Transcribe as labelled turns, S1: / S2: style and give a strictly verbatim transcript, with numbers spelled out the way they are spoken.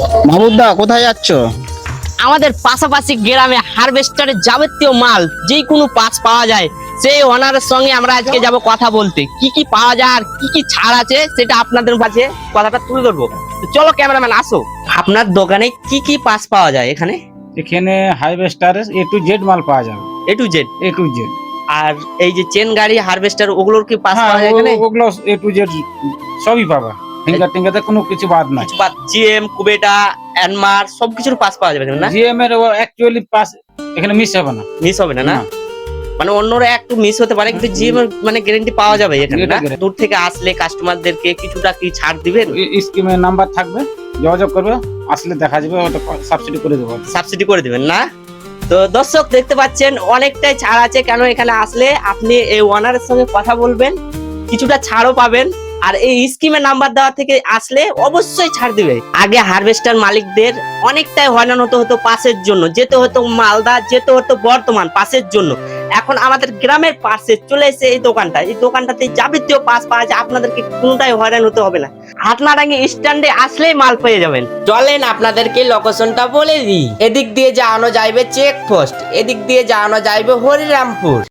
S1: মাহমুদদা কোথায় যাচ্ছ?
S2: আমাদের পাশাপাশি গ্রামে হারভেস্টারের যাবতীয় মাল যে কোনো পাস পাওয়া যায়, সেই ওনারের সঙ্গে আমরা আজকে যাব কথা বলতে। কি কি পাওয়া যায় আর কি কি ছাড় আছে সেটা আপনাদের কাছে কথাটা তুলে ধরবো। তো চলো ক্যামেরাম্যান আসো, আপনার দোকানে কি কি পাস পাওয়া যায় এখানে?
S3: এখানে হারভেস্টারের এ টু জেড মাল পাওয়া যাবে।
S2: A to Z.
S3: A to Z.
S2: আর এই যে চেন গাড়ি হারভেস্টার ওগুলোর কি পাস
S3: হ্যাঁ,
S2: পাওয়া যায় এখানে?
S3: ও- ওগুলো এ টু জেড সবই পাবা। ফিঙ্গার টিঙ্গারতে কোনো কিছু বাদ নাই।
S2: জিএম, কুবেটা, অ্যানমার সবকিছুর পাস পাওয়া যাবে না?
S3: জিএম এর অ্যাকচুয়ালি পাস এখানে মিস হবে না।
S2: মিস হবে না না?
S3: না।
S2: মানে অন্যরা একটু মিস হতে পারে, কিন্তু জিএম এর মানে গ্যারান্টি পাওয়া যাবে এখানে
S3: এটা
S2: না?
S3: guarantee।
S2: দূর থেকে আসলে কাস্টমারদেরকে কিছুটা কি ছাড় দিবেন?
S3: স্কিমের নাম্বার থাকবে, যোগাযোগ করবে, আসলে দেখা যাবে, ওটা সাবসিডি করে দেবো।
S2: সাবসিডি করে দিবেন না? তো দর্শক দেখতে পাচ্ছেন অনেকটাই ছাড় আছে, কেন এখানে আসলে আপনি এই ওনারের সঙ্গে কথা বলবেন, কিছুটা ছাড়ও পাবেন। আর এই স্কিমের নাম্বার দেওয়া থেকে আসলে অবশ্যই ছাড় দিবে। আগে হারভেস্টার মালিকদের অনেকটাই হয়রান হতে হতো পাসের জন্য, যেতে হতো মালদা, যেতে হতো বর্তমান পাসের জন্য। এখন আমাদের গ্রামের পাশে চলে এসে এই দোকানটা, এই দোকানটাতে যাবতীয় পাস পাওয়া যায়, আপনাদেরকে কোনোটাই হয়রান হতে হবে না। হাটনাডাঙ্গি স্ট্যান্ডে আসলেই মাল পেয়ে যাবেন। চলেন আপনাদেরকে লোকেশনটা বলে দিই। এদিক দিয়ে যাওয়ানো যাইবে চেক পোস্ট, এদিক দিয়ে যাওয়ানো যাইবে হরিরামপুর।